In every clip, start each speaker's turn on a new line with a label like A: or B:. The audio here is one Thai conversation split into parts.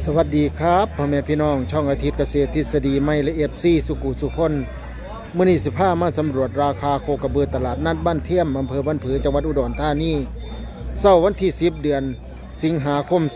A: สวัสดีครับพ่อแม่พี่น้องช่องอาทิตย์เกษตรทฤษฎีไม่และFCสุกุสุคนมื้อนี้15มาสำรวจราคาโคกระบือตลาดนัดบ้านเทียมอำเภอบ้านผือจังหวัดอุดรธานีเสาร์วันที่10เดือนสิงหาคม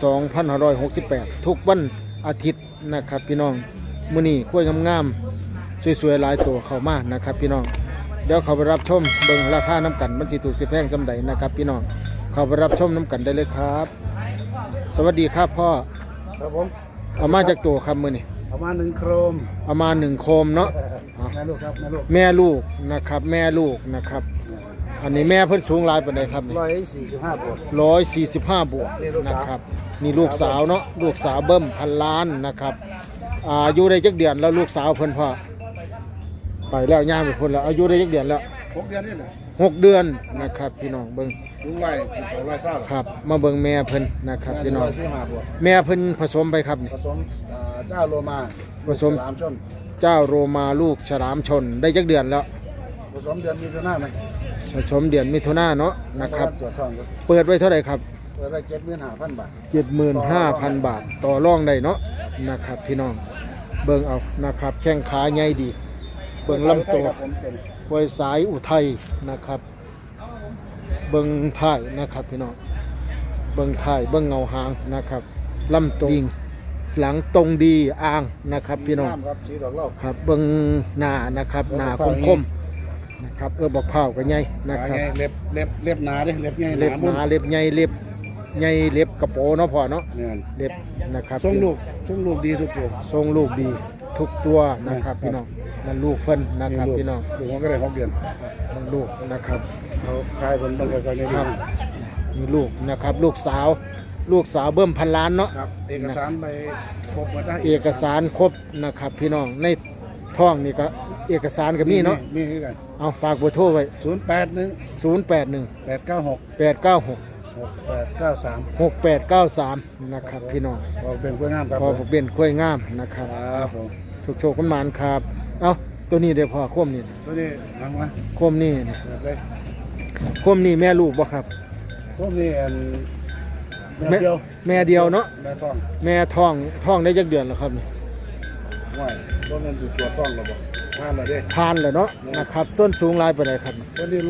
A: 2568ทุกวันอาทิตย์นะครับพี่น้องมื้อนี้กล้วยงามๆสวยๆหลายตัวเข้ามานะครับพี่น้องเดี๋ยวเขาไปรับชมเบิ่งราคาน้ำกันมันสิถูกสิแพงจำใดนะครับพี่น้องเข้าไปรับชมน้ำกันได้เลยครับสวัสดีครับพ่อ
B: ครับผม
A: เอามาจากตัวครับมือนี่
B: เอามา1โครม
A: เอามา1โคมเนาะ
B: แม่ลูกครับ
A: แม่ลูกนะครับแม่ลูกนะครับอันนี้แม่เพิ่นสูงหลายปานใดครับนี่
B: 145บวก
A: 145บวกนะครับนี่ลูกสาวเนาะลูกสาวเบิ่มพันล้านนะครับอายุได้จักเดือนแล้วลูกสาวเพิ่นพ่อไปแล้วย่างไปพุ่นแล้วอายุได้จักเดือนแล้ว
B: 6เดือนนี่แหละ
A: 6 เดือนนะครับพี่น้องเบิ่ง
B: ลุงไล่เขาไล่เศร้า
A: ครับมาเบิ่งแม่เพิ่นนะครับพี่น้องแม่เพิ่นผสมไปครับนี่
B: ผสมเจ้าโรมา
A: ผสม
B: ฉลามชน
A: เจ้าโรมาลูกฉลามชนได้จักเดือนแล้ว
B: ผสมเดือนมีนาไหม
A: ผสมเดือนมิถุนายนเนาะนะครับ
B: ตรวจทอง
A: เปิดไว้เท่าไหร่ครับ
B: เปิดไว้75,000 บาท
A: 75,000 บาทต่อรองได้เนาะนะครับพี่น้องเบิ่งเอานะครับแข้งขาใหญ่ดีเบิ่งลำตัวห้วยสายอุทัยนะครับเบิ่งท้ายนะครับพี่น้องเบิ่งท้ายเบิ่งเงาหางนะครับลำตัวหลังตรงดีอ่างนะครับพี่น้อง
B: ครับสีดอกเหล้า
A: ครับเบิ่งหน้านะครับหน้าคมๆนะครับบอกเผากันใหญ่นะครับ
B: เล็บหนาดิเล็บใหญ่
A: เล็บหนาเล็บใหญ่เล็บใหญ่เล็บกระโปงเนาะพ่อเนาะเล็บนะครับ
B: ทรงลูกดีทุกตัว
A: ทรงลูกดีทุกตัวนะครับพี่น้องนั่นลูกเพิ่นนะครับพี่น้อง
B: ลูกมันก็ได้6 เดือน
A: นั่นลูกนะครับ
B: เขาคายผลบางกรณี
A: ครับมีลูกนะครับลูกสาวเบิ่มพันล้านเนาะ
B: ครับเอกสารไปครบหมดได้
A: เอกสารครบนะครับพี่น้องในท้องนี่ก็เอกสารก็มีเนาะ
B: มีคือกัน
A: เอาฝากเบอร์โทรไว้
B: 0818966893
A: นะครับพี่น้อง
B: พอเป็นกล้วยงามครับ
A: พอเป็นกล้วยงามนะครับ
B: ครับผม
A: โชคกันมานครับเอาตัวนี้เดี๋ยวพอโคมนี่
B: ตัวนี้ฟังมา
A: โคมนี่โคมนี่แม่ลูกบ่ครับ
B: โคมนี่
A: แม่เดียวเนาะ
B: แม่
A: ท้องได้จักเดือนแล้วครับนี่
B: ว่าตัวนั้นอยู่ตัวท้องแล้วบ่ผ่านแล้วเด้
A: ผ่านแล้วเนาะนะครับส้นสูงลายไปไหนครับ
B: ตัวนี้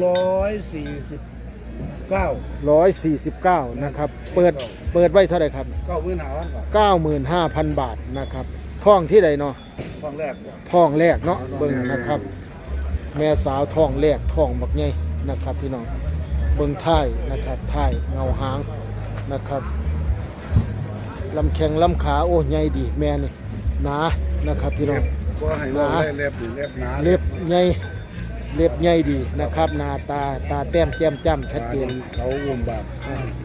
B: 149
A: นะครับเปิดไว้เท่าไหร่ครับ
B: 95,000
A: บาทนะครับท้องที่ใดเนาะ
B: ท้องแรก
A: เนาะเบิ่งนะครับแม่สาวท้องแรกท้องบักใหญ่นะครับพี่น้องเบิ่งท้ายนะครับท้ายเงาหางนะครับลำแข้งลำขาโอ้ใหญ่ดีแม่นี่หนานะครับพี่น้อง
B: หนาเล็บหนา
A: เล็บใหญ่ดีนะครับหน้าตาแต้มแจ่มจ้ำชัดเจน
B: เขาอุ้มบาป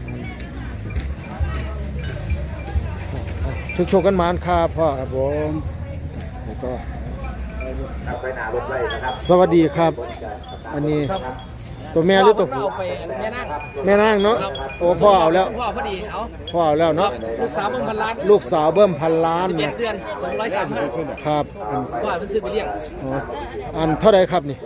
A: โชคกันมานครับพ่อ
B: ครับผม
A: แล้วก็สวัสดีครับอันนี้ตัวแม่หรือตัวผู้แม่นางเนาะโอ้พ่อเอาแล้วพ่อเอาแล้วเนาะ
C: ลูกสาวเบิ่มพันล้าน
A: 11 เดือน
C: 235
A: ครับ
C: พ่อเพิ่นซื้อไปเลี้ยง
A: อันเท่าไรครับนี่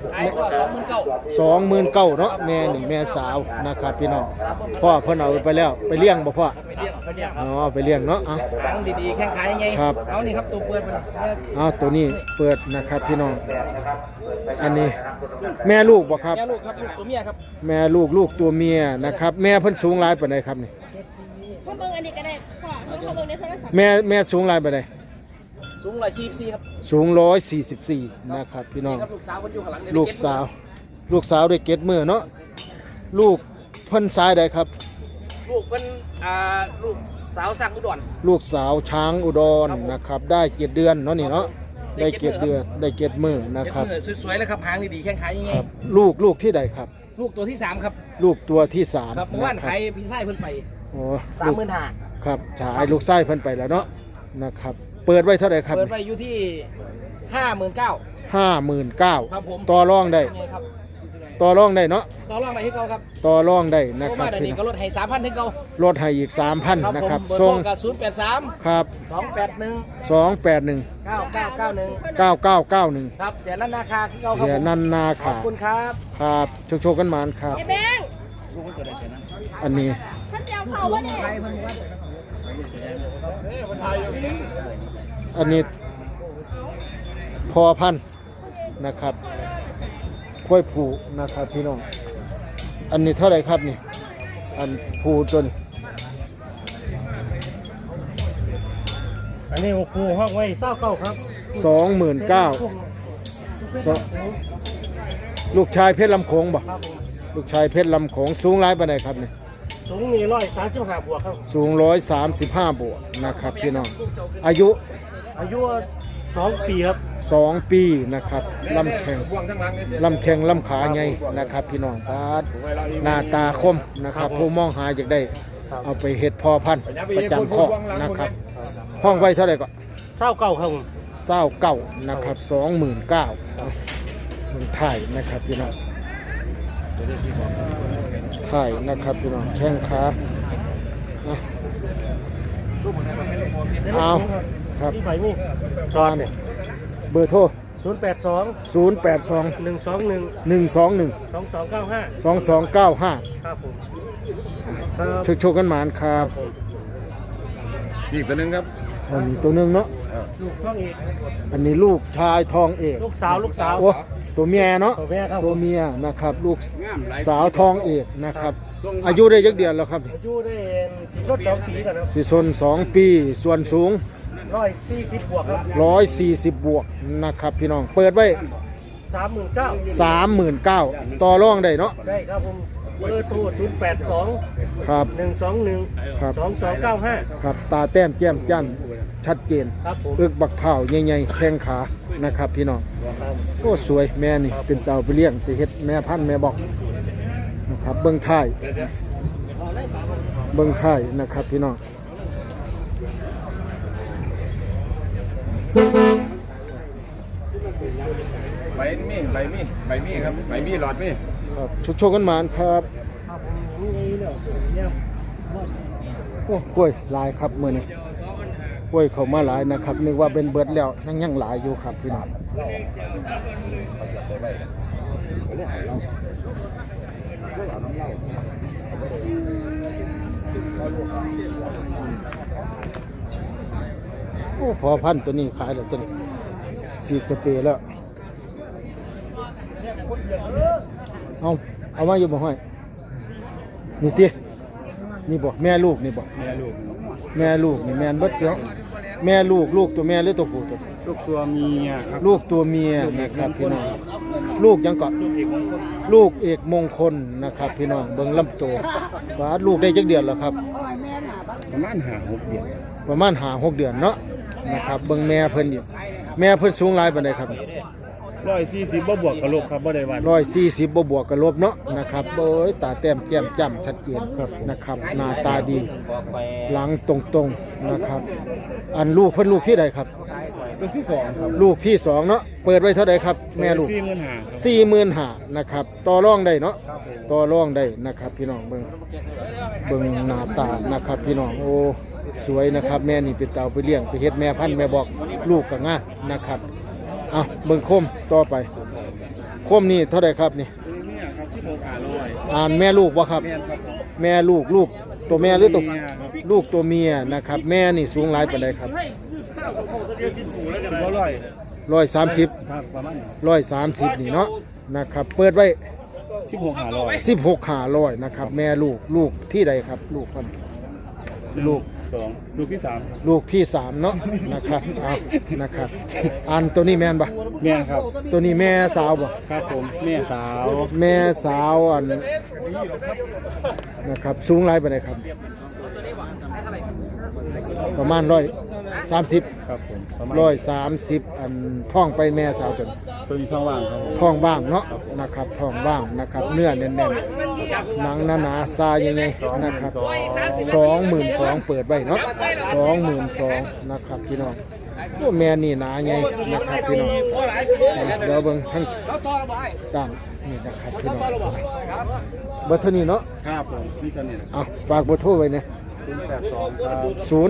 C: 29,000
A: เนาะแม่นี่แม่สาวนะครับพี่น้องพ่อเพิ่นเอาไปแล้วไปเลี้ยงบ่พ่ออ๋อไปเลี้ยงเนาะเอา
C: ดีๆแข้งขายังไง
A: ครับ
C: เอานี่ครับตัวเปิดมัน
A: เอาตัวนี้เปิดนะครับพี่น้องอันนี้แม่ลูกบ่ครับ
C: แม่ลูกครับลูกตัวเมียครับ
A: แม่ลูกตัวเมียนะครับแม่เพิ่นสูงหลายปานใดครับนี่
D: พ่อเบิ่งอันนี้ก็ได้พ่อเบิ่งในโทรศัพท์
A: แม่สูงหลายปานใด
C: สูง144ครับ
A: สูง144นะครับพี่น้อง
C: ลูกสาวเพิ่นอยู่ข้างหลัง
A: ลูกสาวได้เก็ดมือเนาะลูกเพิ่นซ้ายใดครับ
C: ลูกเพิ่นลูกสาวสักอุดร
A: ลูกสาวช้างอุดรนะครับได้7 เดือนเนาะนี่เนาะได้7 เดือนได้7 มือนะครับ
C: สวยๆเลยครับหางดีๆแข้งขายังไง
A: ลูกที่ใดครับ
C: ลูกตัวที่3ครับ
A: ลูกตัวที่3
C: ครับเมื่อวานขายพี่ชายเพิ่นไป
A: โอ้
C: 35,000
A: ครับฉายลูกชายเพิ่นไปแล้วเนาะนะครับเปิดไว้เท่าไหร่ครับ
C: เปิดไว้อยู่ที่
A: 59,000
C: ครับผม
A: ต่อรองได้ต่อรองได้เนาะ
C: ต่อรองได้ที่เก่าครับ
A: ต่อรองได้นะครับ
C: พี่ก็ลดให้ 3,000 ถึงเก่า
A: ลดให้อีก 3,000 นะครับ
C: ส่งกับ083
A: ครับ
C: 281
A: 9991
C: ครับเสียนันนาคาที่เก่าครับ
A: เสียนันนาคา
C: ขอบคุณครับ
A: ครับโชคกันมานครับ
D: ไอ้แบง
A: อันนี้
D: ท่านเจ้าเขาว่าเนี่ย
A: อันนี้พอพันธุ์นะครับกล้วยผูนะครับพี่น้องอันนี้เท่าไหร่ครับนี่อันผูตัวนี้
E: อันนี้ครูห้องไว้เศร้าเก้าครับ
A: 29,000ลูกชายเพชรลำโขงบ่
E: ครับผม
A: ลูกชายเพชรลำโขงสูงหลายปานใดครับนี่
E: สูงมี135บวกครับ
A: สูง135บวกนะครับพี่น้องอายุ
E: อายุ2 ปีครับ
A: 2 ปีนะครับลำแข็งลำขาใหญ่นะครับพี่น้องปาดหน้าตาคมนะครับผู้มองหาอยากได้เอาไปเฮ็ดพอพันธุ์ประจำคอกนะครับห้องไว้เท่าไหร่ก็
E: เศร้าเก้าครับผม
A: 29นะครับ 29,000เมืองไทยนะครับพี่น้องไทยนะครับพี่น้องแข้งขาเอาครับ
E: ที่ใบมีจอดเนี่ย
A: เบอร์โทร
E: 082
A: 082
E: 121
A: 121
E: 2295
A: 2295
E: ครับผมครับ
A: โชคกันหมานครับ
B: อีกตัวนึงครับ
A: อันนี้ตัวหนึงเนาะ
E: ลูกช่องอีก
A: อันนี้ลูกชายทองเอก
E: ลูกสาว
A: โอ้ตัวเมียเนาะ
E: ตัวแม่ครับ
A: ตัวเมียนะครับลูกสาวทองเอกนะครับอายุได้ยักเดือนแล้วครับ
E: อายุได้สิสด2 ปีกันครับ
A: สิซน2 ปีส่วนสูง
E: 140บวกครับ
A: 140บวกนะครับพี่น้องเปิดไว้
E: 39,000
A: 39,000ต่อรองได้เนาะ
E: ได้ครับผมเบอร์โทร082
A: ครับ
E: 121
A: ครับ
E: 2295
A: ครับตาแต้มแก้มจั่นชัดเจน
E: ครับผม
A: อึกบักเผาใหญ่ๆแข้งขานะครับพี่น้องโอ้สวยแม่นี่เป็นเต่าไปเลี้ยงไปเฮ็ดแม่พันธุ์แม่บอกนะครับเบิ่งท้ายนะครับพี่น้อง
B: ใบมีครับใบมีหลอดมี
A: ครับโชคกันหมานครับ
E: ครับผมนี่เนี่ยเนี่ย
A: โอ้กล้วยหลายครับมื้อนี้กล้วยเข้ามาหลายนะครับนึกว่าเป็นเบิดแล้วยังหลายอยู่ครับพี่น้องโอ้พอพันธุ์ตัวนี้ขายแล้วตัวนี้สีดสเปรย์แล้วเอามาอยู่บ่ห้อยนี่ตินี่บ่แม่ลูกนี่บ่แม่ลูกนี่แม่นเบิดเนาะแม่ลูกตัวแม่หรือตัวผู้ตัว
E: ลูกตัวเมียครับ
A: ลูกตัวเมียนะครับพี่น้องลูกยังเกาะลูกเอกมงคลนะครับพี่น้องเบิ่งลำตัวว่าลูกได้จักเดือนแล้วครับ
B: ประมาณ5-6เดือน
A: ประมาณ5-6เดือนเนาะนะครับเบิ่งแม่เพิ่นอยู่แม่เพิ่นสูงหลายปานใดครับ
E: 140บ่บวกกับลูกครับบ่ได้วัน
A: 140บ่บวกกับลบเนาะนะครับโอ้ยตาแต้มแจ่มจ้ำชัดเจนนะครับหน้าตาดีหลังตรงๆนะครับอันลูกเพิ่นลูกที่ใดครับ
B: ลูกที่2ครับ
A: ลูกที่สองเนาะเปิดไว้เท่าใดครับแม่ลูก 45,000นะครับต่อรองได้เนาะต่อรองได้นะครับพี่น้องเบิ่งหน้าตานะครับพี่น้องโอ้สวยนะครับแม่นี่เป็นเต่าไปเลี้ยงไปเฮ็ดแม่พันธุ์แม่บอกลูกก็งามนะครับเอาเบิ่งโคมต่อไปโคมนี่เท่าใดครับนี่
E: เนี่ยครับ16,500
A: อ่านแม่ลูกบ่ครับ แม่ลูกตัวแม่หรือตัวลูกตัวเมียนะครับแม่นี่สูงหลายปานใดครับ
E: บ่ร้อย
A: 130
E: ครับประมาณ
A: 130นี่เนาะนะครับเปิดไว้
E: 16,500
A: 16,500นะครับแม่ลูกที่ใดครับลูกเพิ่นลูก
E: 2ลูกที่3
A: ลูกที่3เนาะนะครับเอานะครับอันตัวนี้แม่นบ่
E: แม่ครับ
A: ตัวนี้แม่สาวบ่
E: ครับผมแม่สาว
A: แม่สาวอันนะครับสูงหลายปานใดครับ ประมาณ130
E: ครับผมประมาณ
A: 130อันท้องไปแม่สาวจน
E: ตัวนี้ช่องว่างครับผม
A: ท้องบ้างเนาะนะครับท้องบ้างนะครับเนื้อแน่นๆหนังหนาๆซายังไงนะครับ22,000เปิดไว้เนาะ22,000นะครับพี่น้องโอ้แม่นี่หนาไงนะครับพี่น้องเดี๋ยวเบิ่งทั้งด้านนี่นะครับพี่น้องเบอร์เท่านี้เนาะ
E: ครับผมนี่ตัวนี้
A: เอาฝากเบอร์โทรไว้นะ
E: 082ครับ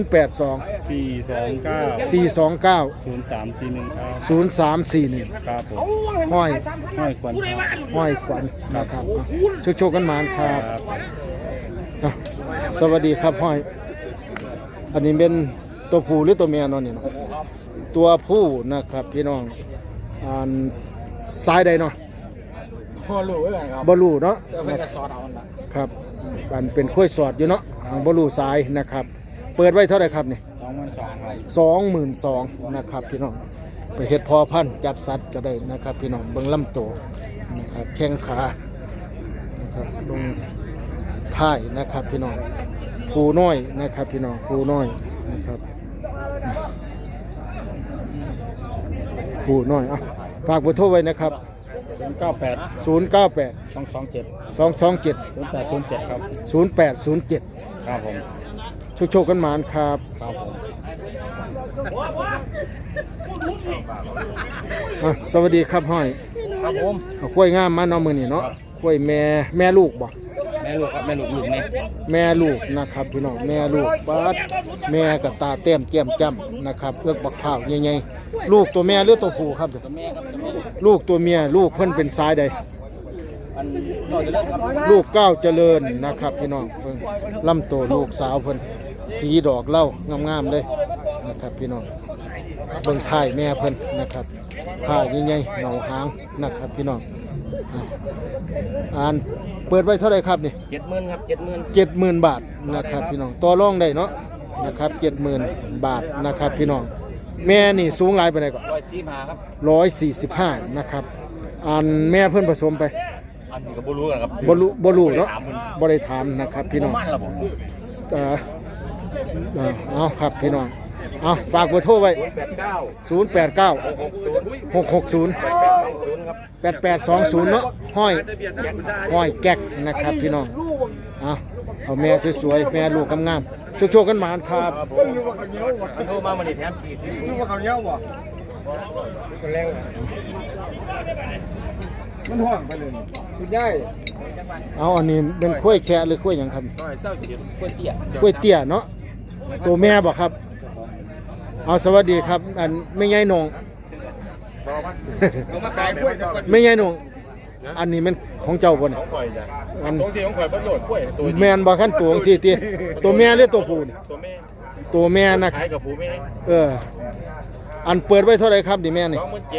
A: 082
E: 429
A: 429
E: 0341ครับ
A: 0341
E: ครับผม
A: ห้อย
E: ห้อยควันครับ
A: ห้อยขวัญนะครับโชคกันหมานครับ
E: ครับ
A: อ่ะสวัสดีครับห้อยอันนี้เป็นตัวผู้หรือตัวเมียเนาะนี่เนาะตัวผู้นะครับพี่น้องอันซ้ายใดเนาะ
B: พ่อรู้ไว้ไงครับ
A: บ่รู้เนาะ
B: เดี๋ยวเพิ่นจะสอนเอามันละ
A: ครับอันเป็นข้อยสอดอยู่เนาะทางบ่รู้ซ้ายนะครับ เปิดไว้เท่าไหร่ครับนี่
B: 22,000ครับ
A: นะครับพี่น้องไปเฮ็ดพอพันธุ์จับสัตว์ก็ได้นะครับพี่น้องเบิ่งลำตัวนะครับแข้งขานะครับตรงท้ายนะครับพี่น้องผูน้อยนะครับพี่น้องผูน้อยนะครับผูน้อยอ่ะฝากเบอร์โทรไว้นะครับ
B: 098
A: 098
B: 227
A: 227
B: 0807ครับ
A: 0807
B: ครับผม
A: โชคๆกันหมานครับ
B: ครับผม
A: สวัสดีครับห้อย
B: ครับผม
A: เอากล้วยงามมาเนาะมื้อนี้เนาะกล้วยแม่ลูกบ่
B: แม่ลูกครับแม่ลูกนี่
A: แม่ลูกนะครับพี่น้องแม่ลูกปัดแม่กับตาแต้มแก้มจ้ำนะครับเอื้อกบักพร้าวใหญ่ๆลูกตัวแม่หรือตัวผู้ครับ
B: แม่ครับแม่
A: ลูกตัวเมียลูกเพิ่นเป็นสายใด
B: อันต่อจะเลิกครับ
A: ลูกเก้าวเจริญนะครับพี่น้องเพิ่นลำตัวลูกสาวเพิ่นสีดอกเหล้างามๆเลยนะครับพี่น้องเบิ่งท้ายแม่เพิ่นนะครับท้ายใหญ่ๆเหงาหางนะครับพี่น้องอ่านเปิดไว้เท่าไหร่ครับนี่
B: 70,000ครับ70,000
A: 70,000 บาทนะครับพี่น้องต่อรองได้เนาะนะครับ70,000 บาทนะครับพี่น้องแม่นี่สูงหลายไปไหนก่อน
B: 145ครับ
A: 145นะครับอันแม่เพิ่นผสมไป
B: อันนี้ก็บ่รู้กันครับ
A: บ่รู้เนาะบ่ได้ถามนะครับพี่น้อง
B: มันล่ะผม
A: เอาครับพี่น้องเอาฝากเบอร์โทรไว้ 089 660
B: ครับ
A: 8820เนาะห้อยแก๊กนะครับพี่น้องเอาแม่สวยๆแม่ลูกงามๆโชคๆกันหมานครับ
B: โทรมามันนี่แถม40รู้ว่าเขาเนี้ยบ่คนแรงมันห่วงไปเลยคุณยาย
A: เอาอันนี้เป็นกล้วยแคะหรือกล้วยหยังครับ
B: น้อยเศร้าเจ็บกล้วยเตี้ย
A: กล้วยเตี้ยเนาะตัวแม่บ่ครับเอาสวัสดีครับอันไม่ใหญ่นง
B: เอามาขายกล้วย
A: ไม่ใหญ่นงอันนี้มันของเจ้าบ่น
B: ของข่อยจ้ะ
A: อัน
B: ตรงที่ของข่อยบ่โดดกล้วยตัว
A: แม่นบ่คันตัวจังซี่ติตัวแม่หรือตัวผู้นี่
B: ตัวแม่
A: ตัวแม่นะ
B: ขายกับผู้แม่
A: อันเปิดไว้เท่าไหร่ครับดิแม่นี่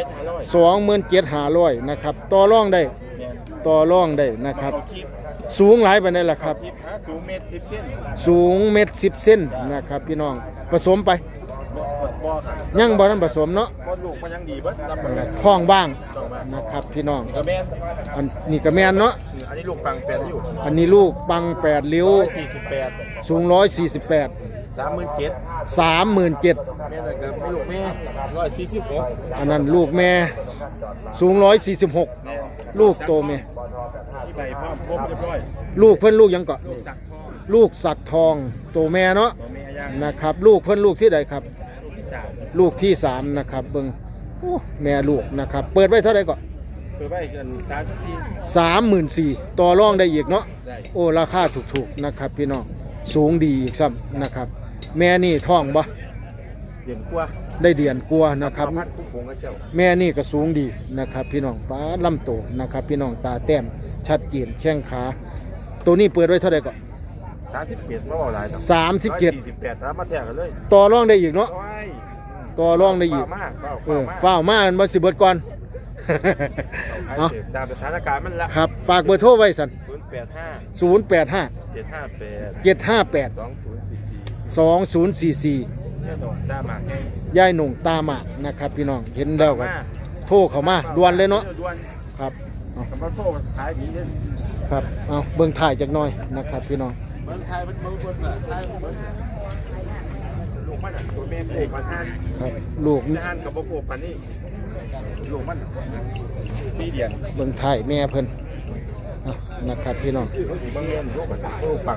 B: 27,500
A: นะครับต่อรองได้ต่อรองได้นะครับ สูงหลายปานใดล่ะครับ
B: ทิพหาสูงเมตร10เซน
A: สูงเม็ด10 เซนนะครับพี่น้องผสมไป
B: บ่ครับ
A: ยังบ่ทันผสมเนาะ
B: บ่ลูกมันยังดีเบิดรับประกัน
A: ท้องบ้างนะครับพี่น้อง
B: ก็แม่น
A: อันนี้ก็แม่นเนาะ
B: อันนี้ลูกปังแปดอยู่
A: อันนี้ลูกปัง8ริ้ว
B: 48
A: สูง148
B: 37,000
A: 37,000
B: แม่น่ะก็ไม่ลูกแม่146
A: อันนั้นลูกแม่สูง146ลูกโตแม่
B: ที่ใบพร้อมครบเรียบร้อย
A: ลูกเพิ่นลูกหยังเกาะ
B: ลูกสักทอง
A: ลูกสักทองโตแม่เนาะ
B: ตัวแม่ย่าง
A: นะครับลูกเพิ่นลูกที่ใดครับ
B: ลูกที่3
A: ลูกที่3นะครับเบิ่งโอ้แม่ลูกนะครับเปิดไว้เท่าไหร่ก่อน
B: เปิดไว้กัน34
A: 34,000ต่อรองได้อีกเนาะ
B: ได้
A: โอ้ราคาถูกๆนะครับพี่น้องสูงดีอีกซ้ำนะครับแม่นี่ท้องบ่
B: เดือนกว่า
A: ได้เดือนกว่านะครับ
B: พัดคุกคงกับเจ้า
A: แม่นี่ก็สูงดีนะครับพี่น้องป้าลำโตนะครับพี่น้องตาแต้มชัดเจนแข้งขาตัวนี้เปิดไว้เท่าไหร่ก่อน
B: 37บ่เอาหลายดอก
A: 37
B: 148ครับมาแทกกันเลย
A: ต่อรองได้อีกเนาะ
B: โอ้ย
A: ต่อรองได้อีก
B: มาก
A: ฝ้าวมามันบ่สิเบิดก่อน เอา
B: ตามสถานการณ์มันละ
A: ครับฝากเบอร์โทรไว้สั่น
B: 085
A: 085
B: 758
A: 758 2044
B: เนี่ยดอกด้าหมากไง
A: ยายหนุ่งตาหมากนะครับพี่น้องเห็นแล้วก็โทรเข้ามาด่วนเลยเนาะ
B: ด่วน
A: ครับเอา
B: กำลังโทรขายดีเลย
A: ครับเอาเบิ่งถ่ายจักหน่อยนะครับพี่น้อง
B: เมืองไทยมันเมืองบนน่ะไทยเมืองลูกมันอ่ะตัวแม่เอกมันทาน
A: ครับลูก
B: จะอ่านกับโบโกปันนี่ลูกมัน4เดือน
A: เบิ่งถ่ายแม่เพิ่นเอานะครับพี่น้อง
B: บางเรียนลูกมันลูกปัง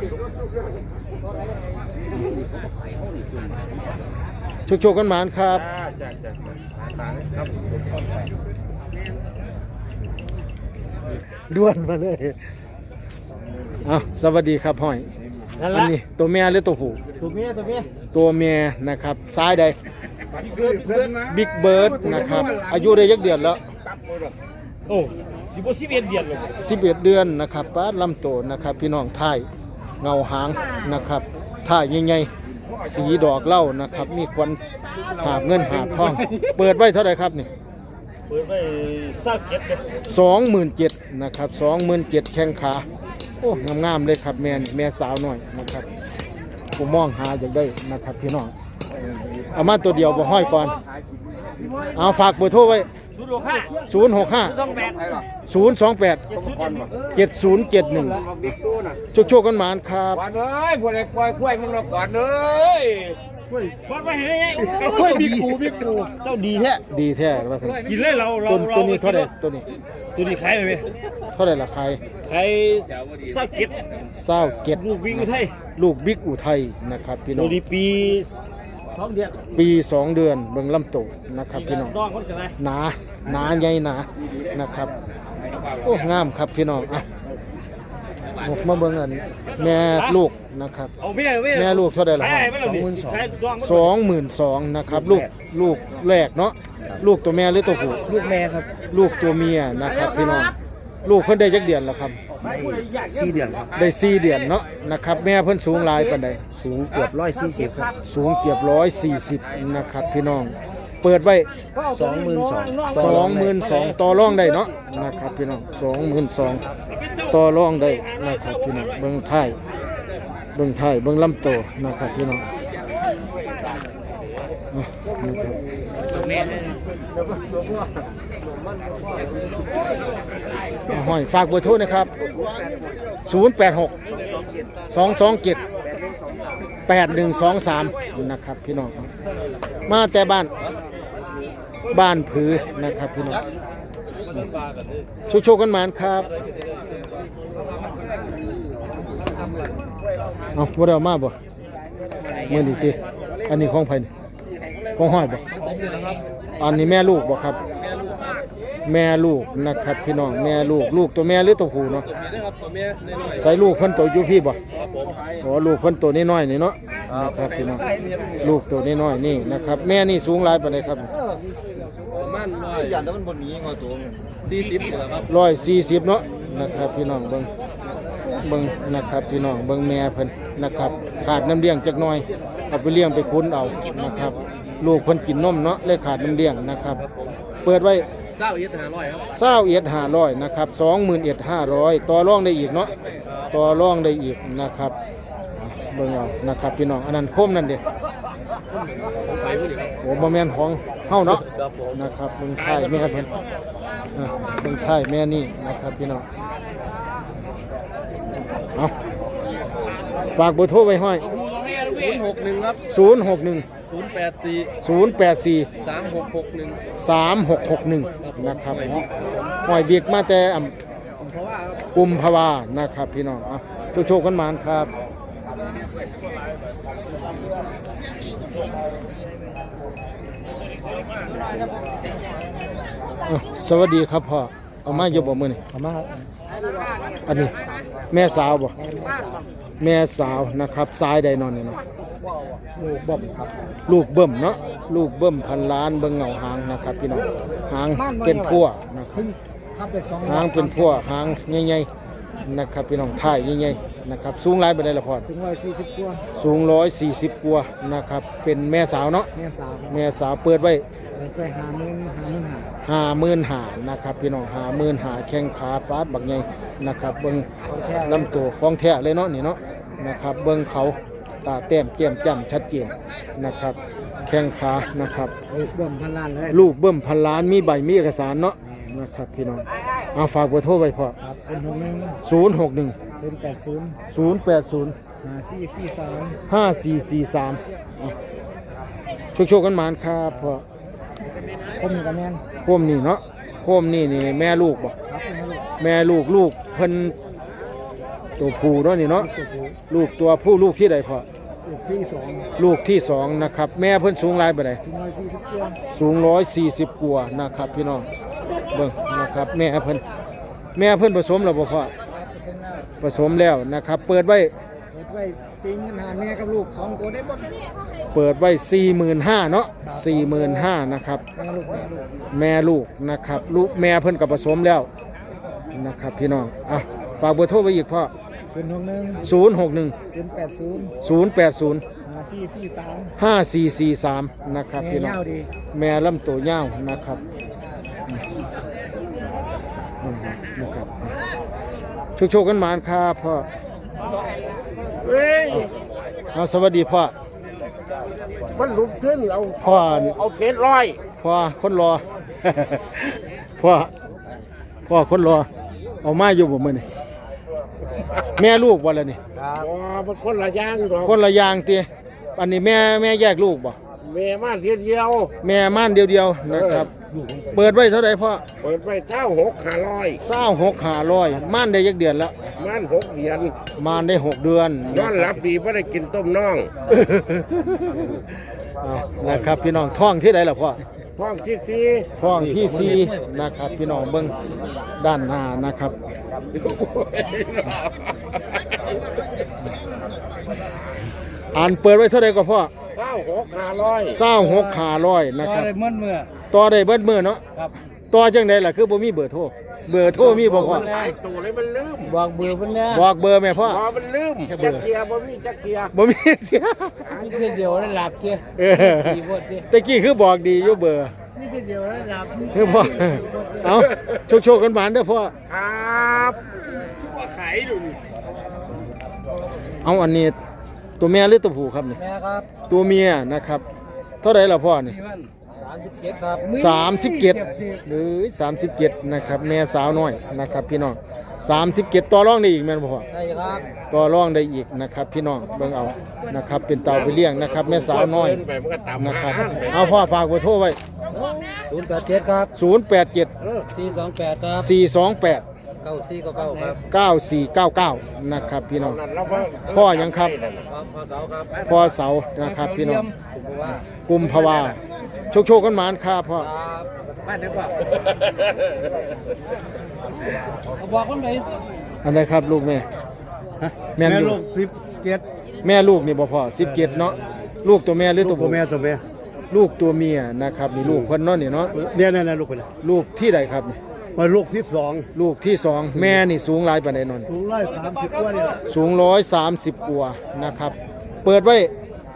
B: ลูก
A: โชคๆกันหมานครับ
B: จ้าตาครับ
A: ด่วนมาเลยเอาสวัสดีครับห้อย
E: นั่น
A: อั
E: ละ
A: นนี้ตัวแม่หรือตัวผู้
E: ตัวเมีย
A: ตัวแม่นะครับซ้ายใด
B: เพื่อนนะ
A: บิ๊กเบิร์ดนะครับอายุได้ยักเดือนแล้ว
E: โอ้11เดือนเลย
A: 11 เดือนนะครับป้าลำโตนะครับพี่น้องท่ายเงาหางนะครับท่ายใหญ่สีดอกเหล้านะครับมีควันหาบเงินหาบทอง เปิดไว้เท่าไหร่ครับนี่
E: เปิดไว้เศร้าเก็บเลย
A: 27,000นะครับ27,000แข้งขาโอ้งามๆเลยครับแม่สาวหน่อยนะครับผมมองหาอยากได้นะครับพี่น้องเอามาตัวเดียวบ่ห้อยก่อนเอาฝากเบอร์โทรไว้ 065
E: 028
A: 028 7071โชคกันหมานครับ
B: ก่อนเลยพวกไอ้ปล่อยกล้วยมึงเราก่อนเลย
E: วัดไปเห็นยังไงโอ้ยบิ๊กกูเจ้าดีแท้
A: ดีแท้ว่าซั่น
E: กินเลยเรา
A: ตัวนี้เท่าไหร่ตัวนี้
E: ตัวนี้ขายเลยไหม
A: เท่าไหร่ราคา
E: ขายเศร้าเก็บ
A: 27
E: ลูกวิ่งอุทัย
A: ลูกบิ๊กอุทัยนะครับพี่น้
E: ตั
A: อ
E: ว
A: ง
E: นี้ปีท้องเดือน
A: ปี2 เดือนเบิ่งลำตัวนะครับพี่น้อง
E: น้องคนกันไหน
A: หนาใหญ่หนานะครับโอ้งามครับพี่น้องอ่ะหมกมาเบิ่งอันแม่ลูกนะครับ
E: เอาไม่ได้
A: แม่ลูกเท่าไหร่ล่ะ
E: ขายไม่ได้ขายดอง
A: 22,000นะครับลูกแรกเนาะลูกตัวแม่หรือตัวผู้
C: ลูกแม่ครับ
A: ลูกตัวเมียนะครับพี่น้องลูกเพิ่นได้จักเดือนแล้วครับ
C: 4 เดือนครับ
A: ได้4 เดือนเนาะนะครับแม่เพิ่นสูงหลายปานใด
C: สูงเกือบ140ครับ
A: สูงเกือบ140นะครับพี่น้องเปิดไว้ 22,000ต่อรองได้เนาะนะครับพี่น้อง22,000ต่อรองได้นะครับพี่น้องเบิ่งท้ายเบิ่งลำตัวนะครับพี่น้องอ่ะนะครับอ่ะห้อยฝากเบอร์โทรนะครับ086 227 8123นะครับพี่น้องมาแต่บ้านผือนะครับพี่น้องโชคกันหมานครับเอาบ่ได้เอามาบ่มื้อนี้ติอันนี้ของไผนี่ของห้อยบ่อันนี้แม่ลูกบ่ครับแม่ลูกนะครับพี่น้องแม่ลูกตัวแม่หรือตัวผู้เนาะใส่ลูกเพิ่นตัวอยู่พี่บ่อ๋อลูกเพิ่นตัวน้อยๆนี่เนาะนะครับพี่น้องลูกตัวน้อยๆนี่นะครับแม่นี่สูงหลายปานใดครับ 140เนาะนะครับพี่น้องเบิ่งนะครับพี่น้องเบิ่งแม่เพิ่นนะครับขาดน้ำเลี้ยงจักหน่อยเอาไปเลี้ยงไปคุ้นเอานะครับลูกเพิ่นกินนมเนาะเลยขาดน้ำเลี้ยงนะครับเปิดไว้21,500นะครับ21,500ต่อรองได้อีกเนาะต่อรองได้อีกนะครับเบิ่งเอานะครับพี่น้องอันนั้นโคมนั่นเด้โอ้บ่แม่นของเฮาเนาะนะครับเบิ่งท้ายแม่เพิ่นเบิ่งท้ายแม่นี่นะครับพี่น้องเอาฝากเบอร์โทรไว้ห้อย
C: 061ครับ
A: 061 084 3661นะครับห้อยเบียกมาแต่กุมภาวานะครับพี่น้องอ่ะโชคกันหมานครับสวัสดีครับพ่อเอามาอยู่บ่มื้อนี้
C: เอามาครับ
A: อันนี้แม่สาวบ่แม่สาวนะครับสายใดนอนนี่เนาะ
C: ลูกบ่มครับ
A: ลูกเบิ่มเนาะลูกเบิ่มพันล้านเบิ่งเงาหางนะครับพี่น้องหางเป็นพัวนะครับ
C: ทับไป2
A: หางเป็นพัวหางใหญ่ๆนะครับพี่น้องท้ายใหญ่ๆนะครับสูงหลายปานใดล่ะพ่อ
C: ถึง140กว่า
A: สูง140กว่านะครับเป็นแม่สาวเนาะ
C: แม่สาว
A: แม่สาวเปิดไว้
C: ไป50,000
A: 55,000นะครับพี่น้อง55,000แข้งขาปาดบักใหญ่นะครับเบิ่งลำตัวของแท้เลยเนาะนี่เนาะนะครับเบิ่งเขาตาแต้มแก้มจ้ำชัดเจนนะครับแข้งขานะครับ
C: ลูกบ่มพันล้านเลย
A: ลูกเบิ่มพันล้านมีใบมีเอกสารเนาะนะครับพี่น้องเอาฝากเบอร์โทรไว้พอ
C: ครับ
A: 061
C: 061 080
A: 080
C: 5443
A: 5443โชคกันหมานครับพ่อ
C: ผมนี่ก็แม่น
A: โคมนี่เนาะโคมนี่แม่ลูกบ่
C: ครับเป็นลูก
A: แม่ลูกเพิ่นตัวผู้เนาะนี่เนาะ
C: ตัวผู้
A: ลูกตัวผู้ลูกที่ใดพ่อ
C: ลูกที่
A: ลูกที่2นะครับแม่เพิ่นสูงหลายปานใด
C: 2 ถึง140กว่า
A: สูง140กว่านะครับพี่น้องเบิ่งนะครับแม่เพิ่นผสมแล้วบ่พ่อผสมแล้วนะครับเปิดไว้
C: เปิดไว้ซิงกันหาแม่กับลูก2ตัวได้บ่
A: เปิดไว้ 45,000เนาะ 45,000นะครับ
C: แม่ลูก
A: นะครับลูกแม่เพิ่นก็ผสมแล้วนะครับพี่น้องอ่ะฝากเบอร์โทรไว้อีกพ่อ
C: 081
A: 061
E: 080
A: 080
E: 5443
A: 5443นะครับพี่น้องแม่ลำตัวยาวนะครับนะครับโชคๆกันหมานครับพ่อ
B: เฮ้ย
A: เอาสวัสดีพ่อ
B: มันลุกขึ้นเอา
A: พ่อ
B: เอาเกตร้อย
A: พ่อคนรอ พ่อคนรอเอามาอยู่บ่มื้อนี่แม่ลูกบ่ล่ะนี่
B: อ๋อมันคนละอย่างหรอก
A: คนละอย่างติอันนี้แม่แยกลูกบ่
B: แม่มาเทียเดียว
A: แม่ม่านเดียวๆนะครับเปิดไว้เท่าใดพ่อ
B: เปิดไป
A: 26,500ม่านได้ยักเดือนแล้ว
B: มัน6 เดือน
A: ม่านได้6 เดือน
B: นอนหลับดีไม่ได้กินต้มน่อง
A: เอานะครับพี่น้องท้องที่ใดล่ะพ่อ
B: ท้องที่
A: ท้องที่สี่นะครับพี่น้องเบิ่งด้านหน้านะครับอ่านเปิดไว้เท่าใดก็พ่อ 26,500นะครับ
E: ได้เมื่อ
A: ต่อได้เบิดมื้อเนาะ
E: ครับ
A: ต่อจังไดล่ะคือบ่มีเบอร์โทรมีบ่พ่อ
B: หลายตัวเลยมันลืม
E: บอกเบอร์เพิ่นแน่
A: บอกเบอร์แม่พ่อ
B: พอมันลืมจักเทียบ่มีจักเทีย
A: บ่มีเสีย
E: มีแต่เดียวแล้วหลับเจ้
A: เออ
E: ดีโพดเจ้
A: ตะกี้คือบอกดีอยู่เบอร์
E: มีแต่เดียวแล้วหลับ
A: คือพ่อเอาโชคๆกันหวานเด้อพ่อ
B: ครับว่าขายดูนี่
A: เอาอันนี้ตัวแม่หรือตัวผู้ครับนี่
E: แม่ครับ
A: ตัวเมียนะครับเท่าไหร่ล่ะพ่อนี่
E: นี่มัน37ครับ
A: 37หรือ37นะครับแม่สาวน้อยนะครับพี่น้อง37ต่อรองได้อีกแม่นบ่พ่อ
E: ได้ครับ
A: ต่อรองได้อีกนะครับพี่น้องเบิ่งเอานะครับเป็นเต่าไปเลี้ยงนะครับแม่สาวน้อย
B: ไปมันก็ต่ำ
A: นะครับเอาพ่อฝากเบอร์โทรไว้
E: 087ครับ
A: 087
E: 428ครับ
A: 428
E: 9499ครับ
A: 9499นะครับพี่น้อง
B: นั่นเราก็
A: พ่อยังครับ
E: พ่อเสาครับ
A: พ่อเสานะครับพี่น้อง
E: ผมว่า
A: กุมภาวาโชคๆกันหมานครับพ่อ
E: ครับบ้านไหนพ่อเอาบอกคนไหน
A: อันไหนครับลูกแม่แม่นอยู่
E: 17
A: แม่ลูกนี่บ่พ่อ17เนาะลูกตัวแม่หรือตัวผู้
E: ตัวแม่
A: ลูกตัวเมียนะครับนี่ลูกเพิ่นเนาะนี่เนาะ
E: เนี่ยลูกคน
A: ลูกที่ใดครับนี่
E: มาลูกที่
A: ลูกที่สองแม่นี่สูงหลายปานใดนอน
E: 2สูง130กว่านี่ล่ะ
A: สูง130กว่านะครับเปิดไว้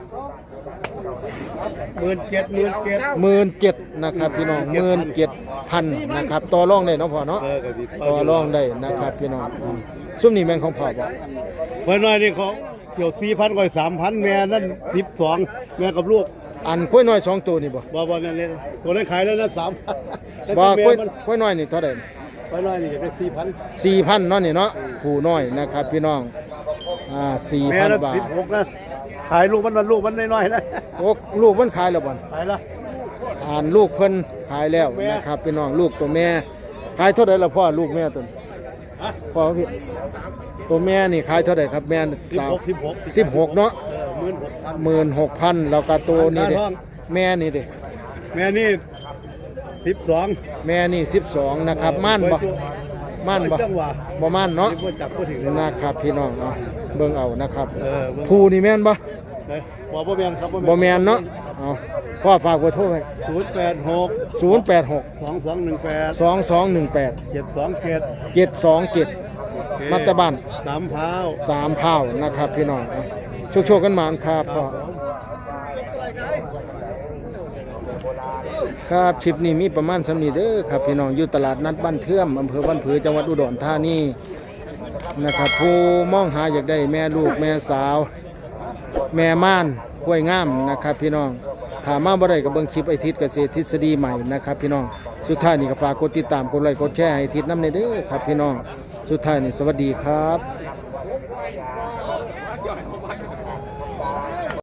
A: 17,000นะครับพี่น้อง17,000นะครับต่อรองได้เนาะพ่อเนาะต่อรองได้นะครับพี่น้องซุ่มนี่แม่นของพ่อบ่
E: ไว้หน่อยนี่เขาเกี่ยว 4,000 กว่า 3,000 แม่นั่น12แม่กับลูก
A: อันกล้วยน้อย2ตัวนี่บ่
E: บ่แม่นเลยตัวนั้นขายแล้วนะ3,000
A: บ่กล้วยน้อยนี่เท่าใด
E: ไว้หน่อยนี่จะได้
A: 4,000เนาะนี่เนาะผู้น้อยนะครับพี่น้อง
E: 4,000แม่ละ
A: 4,000 บาท
E: 16นะขายลูกมันน้อยๆนะ
A: โอ้ลูกมันขายแล้วบ่
E: ขายละ
A: อ่านลูกเพิ่นขายแล้วนะครับพี่น้องลูกตัวแม่ขายเท่าใดล่ะพ่อลูกแม่ตัวนี้พ่อพี่ตัวแม่นี่ขายเท่าใดครับแม่สาว16เนาะ 16,000แล้วก็ตัวนี้เด้แม่นี่เด้
E: แม่นี่12
A: แม่นี่12นะครับม่านบ่ม่านบ่
E: จังหวะ
A: บ่ม่านเนาะ
E: บ่จับบ่ถึง
A: นะครับพี่น้องเนาะเบิ่งเอานะครับ
E: บ่
A: ผู้นี่แม่นบ่
E: บ่แม่นครับ
A: บ่แม่นเนาะเอาพ่อฝากเบอร์โทรไว้
E: 086
A: 086
E: 2218
A: 2218
E: 727
A: 727มัตตบ้าน
E: 3พร้าว
A: 3เผานะครับพี่น้องโชคๆกันหมานครับพ่อครับคลิปนี้มีประมาณสำนี้เด้อครับพี่น้องอยู่ตลาดนัดบ้านเทื่อมอำเภอบ้านผือจังหวัดอุดรธานีนะครับผู้มองหาอยากได้แม่ลูกแม่สาว แม่ม่านกล้วยงามนะครับพี่น้องถามมาบ่ได้กับเบิ่งคลิปไอทิศเกษตรทฤษฎีใหม่นะครับพี่น้องสุดท้ายนี่ก็ฝากกดติดตามกดไลค์กดแชร์ให้ทิศนำในเด้อครับพี่น้องสุดท้ายนี่สวัสดีครับ